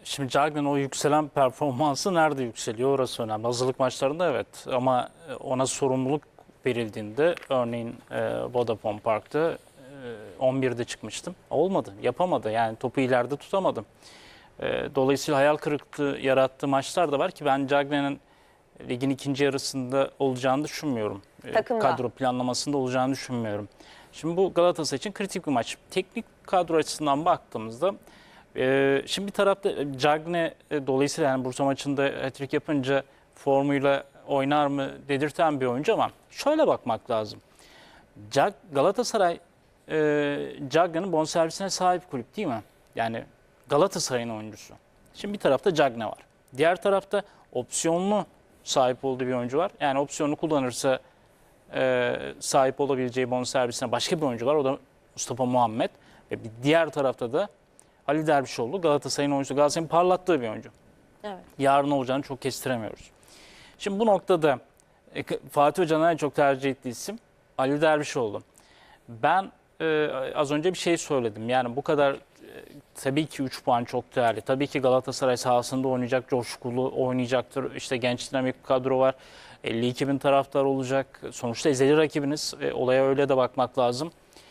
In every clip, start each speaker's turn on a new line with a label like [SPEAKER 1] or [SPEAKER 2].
[SPEAKER 1] Şimdi Cagney'in o yükselen performansı nerede yükseliyor orası önemli. Hazırlık maçlarında evet ama ona sorumluluk verildiğinde örneğin Vodafone Park'ta 11'de çıkmıştım. Olmadı, yapamadı. Yani topu ileride tutamadım. Dolayısıyla hayal kırıklığı yarattığı maçlar da var ki ben Cagney'in ligin ikinci yarısında olacağını düşünmüyorum.
[SPEAKER 2] Takımda.
[SPEAKER 1] Kadro planlamasında olacağını düşünmüyorum. Şimdi bu Galatasaray için kritik bir maç. Teknik kadro açısından baktığımızda şimdi bir tarafta Cagney dolayısıyla yani Bursa maçında hat-trick yapınca formuyla oynar mı dedirten bir oyuncu ama şöyle bakmak lazım. Galatasaray Cagney'in bonservisine sahip kulüp değil mi? Yani Galatasaray'ın oyuncusu. Şimdi bir tarafta Cagney var. Diğer tarafta opsiyonlu sahip olduğu bir oyuncu var. Yani opsiyonlu kullanırsa sahip olabileceği bonservisine başka bir oyuncu var. O da Mustafa Muhammed. Ve bir diğer tarafta da Ali Dervişoğlu Galatasaray'ın oyuncusu. Galatasaray'ın parlattığı bir oyuncu.
[SPEAKER 2] Evet.
[SPEAKER 1] Yarın olacağını çok kestiremiyoruz. Şimdi bu noktada Fatih Hoca'nın en çok tercih ettiği isim Ali Dervişoğlu. Ben az önce bir şey söyledim. Yani bu kadar tabii ki 3 puan çok değerli. Tabii ki Galatasaray sahasında oynayacak, coşkulu oynayacaktır. İşte genç dinamik bir kadro var. 52 bin taraftar olacak. Sonuçta ezeli rakibiniz. Olaya öyle de bakmak lazım.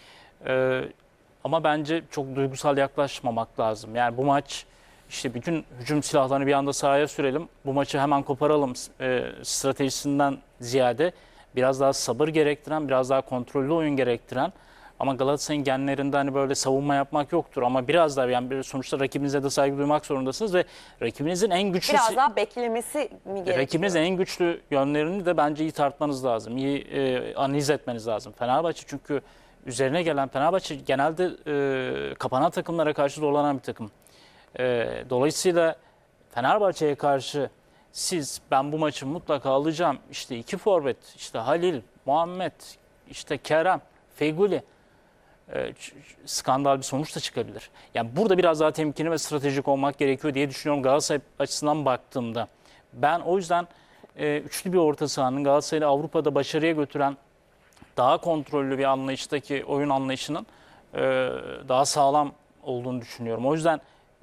[SPEAKER 1] Ama bence çok duygusal yaklaşmamak lazım. Yani bu maç işte bütün hücum silahlarını bir anda sahaya sürelim. Bu maçı hemen koparalım stratejisinden ziyade biraz daha sabır gerektiren, biraz daha kontrollü oyun gerektiren ama Galatasaray'ın genlerinde hani böyle savunma yapmak yoktur ama biraz daha yani sonuçta rakibinize de saygı duymak zorundasınız ve rakibinizin en güçlü
[SPEAKER 2] Biraz daha beklemesi mi gerekiyor?
[SPEAKER 1] rakibinizin en güçlü yönlerini de bence iyi tartmanız lazım. İyi analiz etmeniz lazım. Fenerbahçe çünkü üzerine gelen Fenerbahçe genelde kapanan takımlara karşı zorlanan bir takım. Dolayısıyla Fenerbahçe'ye karşı ben bu maçı mutlaka alacağım. İşte iki forvet, işte Halil, Muhammed, işte Kerem, Feguli skandal bir sonuç da çıkabilir. Yani burada biraz daha temkinli ve stratejik olmak gerekiyor diye düşünüyorum Galatasaray açısından baktığımda. Ben o yüzden üçlü bir orta sahanın Galatasaray'ı Avrupa'da başarıya götüren daha kontrollü bir anlayıştaki oyun anlayışının daha sağlam olduğunu düşünüyorum. O yüzden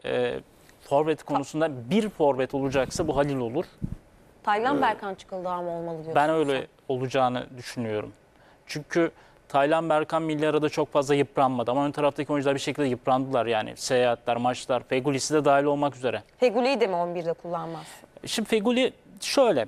[SPEAKER 1] forvet konusunda bir forvet olacaksa bu Halil olur.
[SPEAKER 2] Taylan Berkan Çıkıldağ mı olmalı diyorsun?
[SPEAKER 1] Ben öyle olacağını düşünüyorum. Çünkü Taylan Berkan milli arada çok fazla yıpranmadı ama ön taraftaki oyuncular bir şekilde yıprandılar yani. Seyahatler, maçlar, Fegülisi de dahil olmak üzere.
[SPEAKER 2] Feguli'yi de mi 11'de kullanmaz?
[SPEAKER 1] Şimdi Feguli şöyle,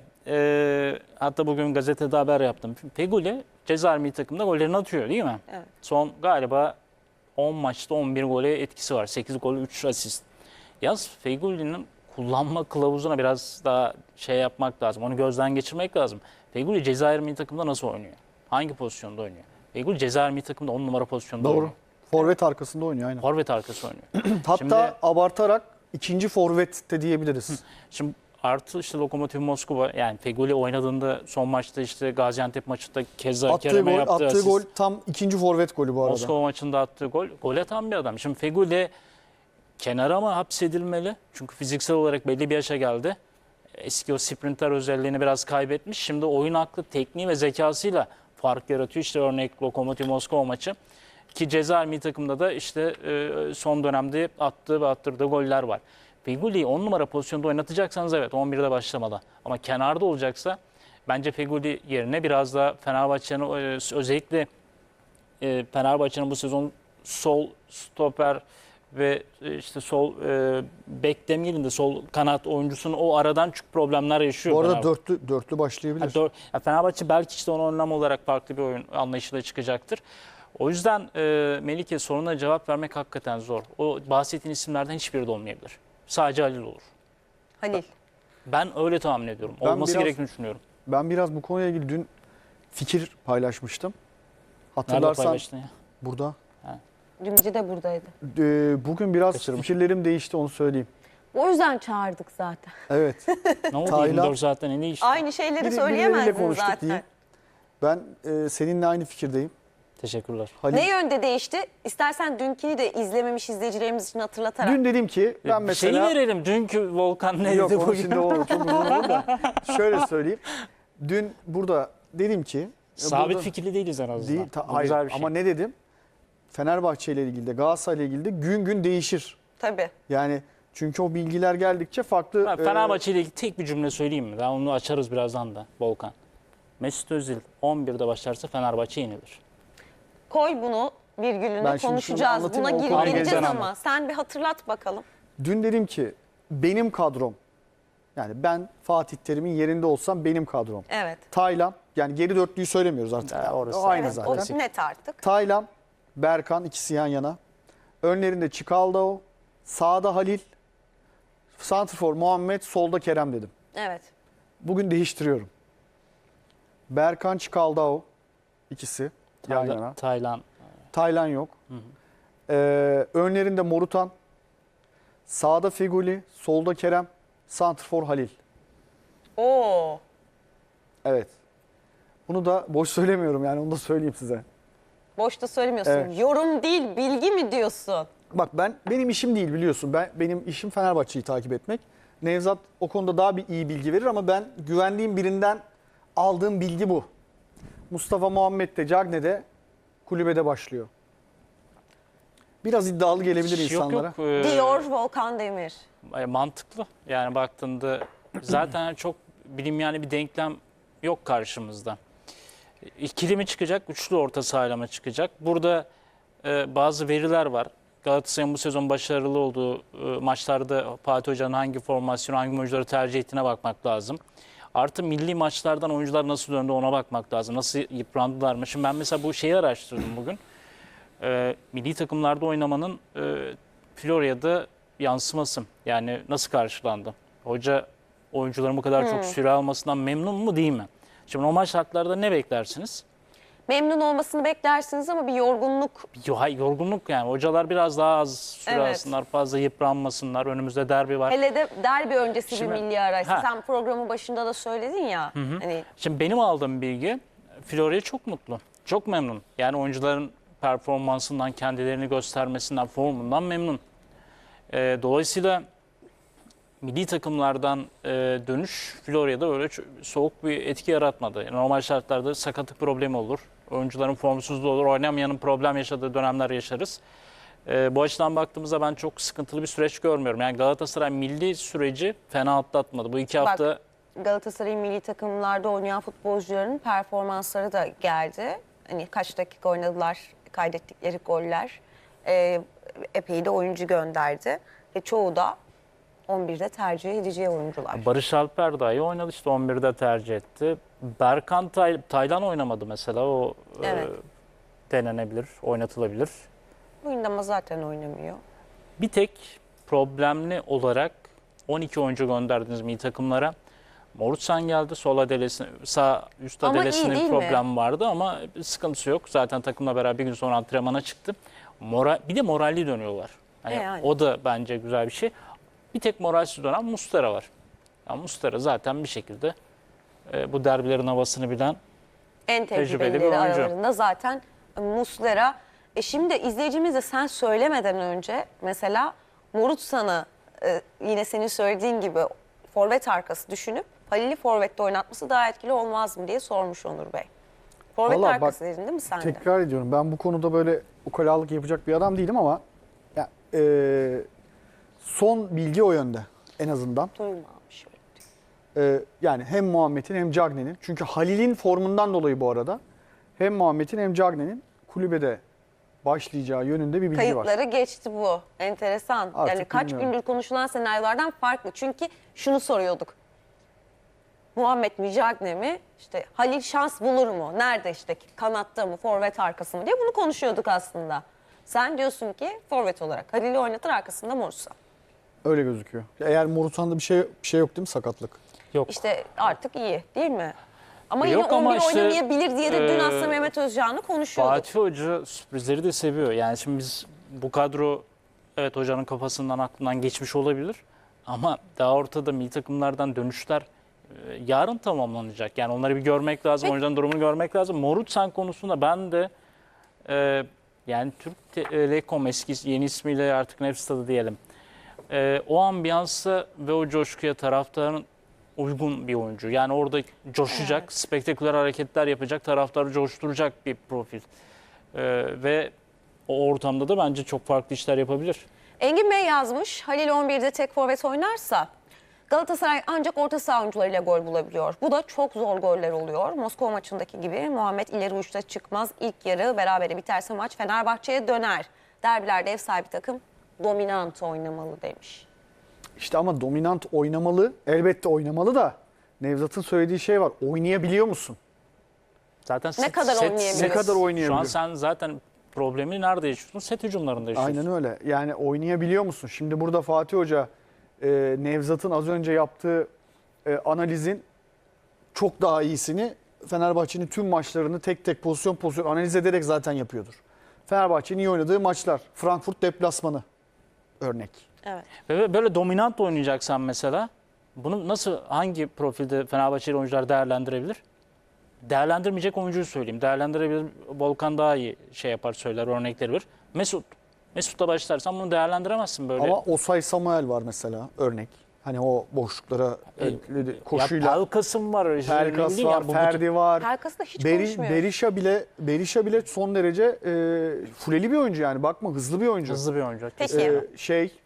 [SPEAKER 1] hatta bugün gazetede haber yaptım. Feguli Cezayir milli takımda gollerini atıyor değil mi?
[SPEAKER 2] Evet.
[SPEAKER 1] Son galiba 10 maçta 11 gole etkisi var. 8 gol, 3 asist. Yalnız Feguli'nin kullanma kılavuzuna biraz daha şey yapmak lazım. Onu gözden geçirmek lazım. Feguli Cezayir milli takımda nasıl oynuyor? Hangi pozisyonda oynuyor? Feguli Cezayir milli takımda 10 numara pozisyonda
[SPEAKER 3] Doğru.
[SPEAKER 1] oynuyor.
[SPEAKER 3] Forvet arkasında oynuyor aynen.
[SPEAKER 1] Forvet arkası oynuyor.
[SPEAKER 3] Hatta
[SPEAKER 1] Şimdi-
[SPEAKER 3] abartarak ikinci forvet de diyebiliriz.
[SPEAKER 1] Şimdi artı işte Lokomotiv Moskova yani Feguli oynadığında son maçta işte Gaziantep maçında keza
[SPEAKER 3] Attığı
[SPEAKER 1] Kerem'e
[SPEAKER 3] gol,
[SPEAKER 1] yaptığı
[SPEAKER 3] attığı
[SPEAKER 1] asist.
[SPEAKER 3] gol tam ikinci forvet golü bu arada.
[SPEAKER 1] Moskova maçında attığı gol. Gol atan bir adam. Şimdi Feguli kenara mı hapsedilmeli? Çünkü fiziksel olarak belli bir yaşa geldi. Eski o sprinter özelliğini biraz kaybetmiş. Şimdi oyun aklı, tekniği ve zekasıyla fark yaratıyor. İşte örnek Lokomotiv Moskova maçı. Ki Cezayir milli takımda da işte son dönemde attığı ve attırdığı goller var. Feguli'yi 10 numara pozisyonda oynatacaksanız evet 11'de başlamalı. Ama kenarda olacaksa bence Feguli yerine biraz daha Fenerbahçe'nin özellikle Fenerbahçe'nin bu sezon sol stoper ve işte sol bek demeyelim de sol kanat oyuncusunun o aradan çok problemler yaşıyor.
[SPEAKER 3] Bu arada
[SPEAKER 1] Fenerbahçe.
[SPEAKER 3] dörtlü başlayabilir.
[SPEAKER 1] Fenerbahçe belki işte ona önlem olarak farklı bir oyun anlayışıyla çıkacaktır. O yüzden Melike soruna cevap vermek hakikaten zor. O bahsettiğin isimlerden hiçbiri de olmayabilir. Sadece Halil olur.
[SPEAKER 2] Halil.
[SPEAKER 1] Ben öyle tahmin ediyorum.
[SPEAKER 3] Ben
[SPEAKER 1] Olması
[SPEAKER 3] biraz-
[SPEAKER 1] gerektiğini düşünüyorum.
[SPEAKER 3] Ben biraz bu konuyla ilgili dün fikir paylaşmıştım.
[SPEAKER 1] Nerede
[SPEAKER 3] Hatırlarsan
[SPEAKER 1] paylaştın ya?
[SPEAKER 3] burada.
[SPEAKER 2] Dümcü de buradaydı.
[SPEAKER 3] Bugün biraz
[SPEAKER 1] Kaçırmış.
[SPEAKER 3] fikirlerim değişti onu söyleyeyim.
[SPEAKER 2] O yüzden çağırdık zaten.
[SPEAKER 3] Evet.
[SPEAKER 1] Ne oldu
[SPEAKER 3] Taylan-
[SPEAKER 1] 24 saatten ne değişti?
[SPEAKER 2] Aynı şeyleri
[SPEAKER 3] Birileriyle
[SPEAKER 2] söyleyemezdin
[SPEAKER 3] konuştuk
[SPEAKER 2] zaten.
[SPEAKER 3] diyeyim. Ben seninle aynı fikirdeyim.
[SPEAKER 1] Teşekkürler.
[SPEAKER 3] Halil,
[SPEAKER 2] Ne yönde değişti? İstersen dünkini de izlememiş izleyicilerimiz için hatırlatarak.
[SPEAKER 3] dün dedim ki ben mesela...
[SPEAKER 1] Şeyi verelim. Dünkü Volkan neydi
[SPEAKER 3] Yok onu
[SPEAKER 1] bugün?
[SPEAKER 3] şimdi o çok uzun olur da. Şöyle söyleyeyim. Dün burada dedim ki...
[SPEAKER 1] Sabit
[SPEAKER 3] burada-
[SPEAKER 1] fikirli değiliz en azından.
[SPEAKER 3] Değil,
[SPEAKER 1] Bu
[SPEAKER 3] hayır.
[SPEAKER 1] güzel bir şey.
[SPEAKER 3] Ama ne dedim? Fenerbahçe ile ilgili de Galatasaray ile ilgili de gün gün değişir.
[SPEAKER 2] Tabii.
[SPEAKER 3] Yani Çünkü o bilgiler geldikçe farklı...
[SPEAKER 1] Ben Fenerbahçe ile ilgili tek bir cümle söyleyeyim mi? Ben onu açarız birazdan da Volkan. Mesut Özil 11'de başlarsa Fenerbahçe yenilir.
[SPEAKER 2] Koy bunu virgülünü
[SPEAKER 3] Ben şimdi şunu
[SPEAKER 2] konuşacağız.
[SPEAKER 3] anlatayım,
[SPEAKER 2] Buna
[SPEAKER 3] o konuya
[SPEAKER 2] gireceğiz
[SPEAKER 1] geleceğim
[SPEAKER 2] ama. Sen bir hatırlat bakalım.
[SPEAKER 3] Dün dedim ki benim kadrom, yani ben Fatih Terim'in yerinde olsam benim kadrom.
[SPEAKER 2] Evet.
[SPEAKER 3] Taylan, yani geri dörtlüyü söylemiyoruz artık.
[SPEAKER 1] Ya
[SPEAKER 3] Yani
[SPEAKER 1] orası
[SPEAKER 3] o aynı
[SPEAKER 1] evet,
[SPEAKER 3] zaten.
[SPEAKER 2] O net artık.
[SPEAKER 3] Taylan, Berkan ikisi yan yana. Önlerinde Çikaldao, sağda Halil, santrfor Muhammed, solda Kerem dedim.
[SPEAKER 2] Evet.
[SPEAKER 3] Bugün değiştiriyorum. Berkan, Çikaldao ikisi yan yana.
[SPEAKER 1] Taylan.
[SPEAKER 3] Taylan yok. Önlerinde Morutan, sağda Feguli, solda Kerem, santrfor Halil.
[SPEAKER 2] Oo.
[SPEAKER 3] Evet. Bunu da boş söylemiyorum, yani onu da söyleyeyim size.
[SPEAKER 2] Boşta söylemiyorsun.
[SPEAKER 3] Evet.
[SPEAKER 2] Yorum değil, bilgi mi diyorsun?
[SPEAKER 3] Bak benim işim değil, biliyorsun. Benim işim Fenerbahçe'yi takip etmek. Nevzat o konuda daha bir iyi bilgi verir ama ben güvendiğim birinden aldığım bilgi bu. Mustafa Muhammed de Cagney'de kulübede başlıyor. Biraz iddialı gelebilir insanlara.
[SPEAKER 2] Diyor Volkan Demir.
[SPEAKER 1] Mantıklı. Yani baktığında zaten çok bilinmeyen bir denklem yok karşımızda. İkili mi çıkacak, üçlü orta sahayla mı çıkacak? Burada bazı veriler var. Galatasaray'ın bu sezon başarılı olduğu maçlarda Fatih Hoca'nın hangi formasyonu, hangi oyuncuları tercih ettiğine bakmak lazım. Artı milli maçlardan oyuncular nasıl döndü ona bakmak lazım. Nasıl yıprandılar mı? Şimdi ben mesela bu şeyi araştırdım bugün. Milli takımlarda oynamanın Florya'da yansıması. Yani nasıl karşılandı? Hoca oyuncuların bu kadar çok süre almasından memnun mu değil mi? Şimdi normal şartlarda ne beklersiniz?
[SPEAKER 2] Memnun olmasını beklersiniz ama bir yorgunluk.
[SPEAKER 1] Yorgunluk yani. Hocalar biraz daha az süre
[SPEAKER 2] Evet.
[SPEAKER 1] alsınlar, fazla yıpranmasınlar. Önümüzde derbi var.
[SPEAKER 2] Hele de derbi öncesi
[SPEAKER 1] Şimdi-
[SPEAKER 2] bir milli araysa.
[SPEAKER 1] Ha.
[SPEAKER 2] Sen programın başında da söyledin ya. Hani
[SPEAKER 1] Şimdi benim aldığım bilgi Florya çok mutlu. Çok memnun. Yani oyuncuların performansından, kendilerini göstermesinden, formundan memnun. Dolayısıyla milli takımlardan dönüş Florya'da öyle soğuk bir etki yaratmadı. Yani normal şartlarda sakatlık problemi olur. Oyuncuların formsuzluğu olur. Oynamayanın problem yaşadığı dönemler yaşarız. Bu açıdan baktığımızda ben çok sıkıntılı bir süreç görmüyorum. Yani Galatasaray milli süreci fena atlatmadı. Bu iki
[SPEAKER 2] Bak,
[SPEAKER 1] hafta
[SPEAKER 2] Galatasaray'ın milli takımlarda oynayan futbolcuların performansları da geldi. Hani kaç dakika oynadılar, kaydettikleri goller. Epey de oyuncu gönderdi. Ve çoğu da 11'de tercih edeceği oyuncular.
[SPEAKER 1] Barış Alper dahi oynadı işte 11'de tercih etti. Berkan Taylan oynamadı mesela o
[SPEAKER 2] Evet.
[SPEAKER 1] denenebilir, oynatılabilir.
[SPEAKER 2] Bugün ama zaten oynamıyor.
[SPEAKER 1] Bir tek problemli olarak 12 oyuncu gönderdiniz milli takımlara. Morutsan geldi. Sol adelesine, sağ üst
[SPEAKER 2] Ama iyi
[SPEAKER 1] adelesinde
[SPEAKER 2] değil
[SPEAKER 1] bir
[SPEAKER 2] mi?
[SPEAKER 1] problem vardı ama sıkıntısı yok. Zaten takımla beraber bir gün sonra antrenmana çıktı. Bir de moralli dönüyorlar.
[SPEAKER 2] Yani.
[SPEAKER 1] O da bence güzel bir şey. Bir tek moralsiz dönen Muslera var. Yani Muslera zaten bir şekilde bu derbilerin havasını bilen
[SPEAKER 2] En
[SPEAKER 1] Tecrübeli bir
[SPEAKER 2] tecrübelileri
[SPEAKER 1] oyuncu.
[SPEAKER 2] aralarında zaten Muslera. Şimdi izleyicimiz de sen söylemeden önce mesela Morutsan'ı yine senin söylediğin gibi forvet arkası düşünüp Halil'i forvette oynatması daha etkili olmaz mı diye sormuş Onur Bey. Forvet
[SPEAKER 3] Vallahi
[SPEAKER 2] arkası
[SPEAKER 3] bak,
[SPEAKER 2] dedin değil mi sen de?
[SPEAKER 3] Tekrar ediyorum, ben bu konuda böyle ukalalık yapacak bir adam değilim ama ya, son bilgi o yönde en azından.
[SPEAKER 2] Duymamış öyle.
[SPEAKER 3] Yani hem Muhammed'in hem Cagney'in, çünkü Halil'in formundan dolayı bu arada hem Muhammed'in hem Cagney'in kulübede başlayacağı yönünde bir bilgi var.
[SPEAKER 2] Kayıtları geçti bu. Enteresan.
[SPEAKER 3] Artık
[SPEAKER 2] Yani kaç
[SPEAKER 3] bilmiyorum.
[SPEAKER 2] gündür konuşulan senaryolardan farklı. Çünkü şunu soruyorduk. Muhammed mi, Cagney mi? İşte Halil şans bulur mu? Nerede işte kanatta mı, forvet arkası mı diye bunu konuşuyorduk aslında. Sen diyorsun ki forvet olarak Halil'i oynatır arkasında Morsa.
[SPEAKER 3] Öyle gözüküyor. Eğer Morutan'da bir şey yok değil mi, sakatlık?
[SPEAKER 1] yok.
[SPEAKER 2] İşte artık iyi değil mi? Ama
[SPEAKER 1] Yok
[SPEAKER 2] yine
[SPEAKER 1] ama
[SPEAKER 2] 11
[SPEAKER 1] işte,
[SPEAKER 2] oynamayabilir diye de dün aslında Mehmet Özcan'ı konuşuyorduk.
[SPEAKER 1] Fatih Hoca sürprizleri de seviyor. Yani şimdi biz bu kadro evet hocanın kafasından aklından geçmiş olabilir. Ama daha ortada milli takımlardan dönüşler yarın tamamlanacak. Yani onları bir görmek lazım.
[SPEAKER 2] Peki.
[SPEAKER 1] Oyuncuların durumunu görmek lazım. Morutsan konusunda ben de yani Türk Telekom eski yeni ismiyle artık Nefstadı diyelim. O ambiyansa ve o coşkuya taraftarın uygun bir oyuncu. Yani orada coşacak,
[SPEAKER 2] Evet.
[SPEAKER 1] spektaküler hareketler yapacak, taraftarı coşturacak bir profil. Ve o ortamda da bence çok farklı işler yapabilir.
[SPEAKER 2] Engin Bey yazmış, Halil 11'de tek forvet oynarsa Galatasaray ancak orta saha oyuncularıyla gol bulabiliyor. Bu da çok zor goller oluyor. Moskova maçındaki gibi Muhammed ileri uçta çıkmaz. İlk yarı berabere biterse maç Fenerbahçe'ye döner. Derbilerde ev sahibi takım dominant oynamalı demiş.
[SPEAKER 3] İşte ama dominant oynamalı, elbette oynamalı da Nevzat'ın söylediği şey var. Oynayabiliyor musun?
[SPEAKER 1] Zaten
[SPEAKER 2] Ne kadar oynayabilir?
[SPEAKER 3] Ne kadar
[SPEAKER 1] Şu
[SPEAKER 3] oynayabiliyor?
[SPEAKER 1] an sen zaten problemi nerede yaşıyorsun? Set hücumlarında yaşıyorsun.
[SPEAKER 3] Aynen öyle. Yani oynayabiliyor musun? Şimdi burada Fatih Hoca Nevzat'ın az önce yaptığı analizin çok daha iyisini Fenerbahçe'nin tüm maçlarını tek tek pozisyon analiz ederek zaten yapıyordur. Fenerbahçe'nin iyi oynadığı maçlar. Frankfurt deplasmanı örnek.
[SPEAKER 2] Evet.
[SPEAKER 1] Ve böyle dominant oynayacaksan mesela bunu nasıl, hangi profilde Fenerbahçeli oyuncular değerlendirebilir? Değerlendirmeyecek oyuncuyu söyleyeyim. Değerlendirebilir. Volkan daha iyi şey yapar, söyler, örnekleri verir. Mesut'la başlarsan bunu değerlendiremezsin böyle.
[SPEAKER 3] Ama Osay Samuel var mesela örnek. Hani o boşluklara koşuyla.
[SPEAKER 1] Ya Pelkas'ım var.
[SPEAKER 3] Pelkas
[SPEAKER 1] bildiğin
[SPEAKER 3] var,
[SPEAKER 1] ya bu-
[SPEAKER 3] Ferdi var.
[SPEAKER 2] Pelkas'ı da hiç konuşmuyor.
[SPEAKER 3] Berisha bile son derece fuleli bir oyuncu yani. Bakma hızlı bir oyuncu.
[SPEAKER 1] Hızlı bir oyuncu.
[SPEAKER 2] Peki.
[SPEAKER 3] Şey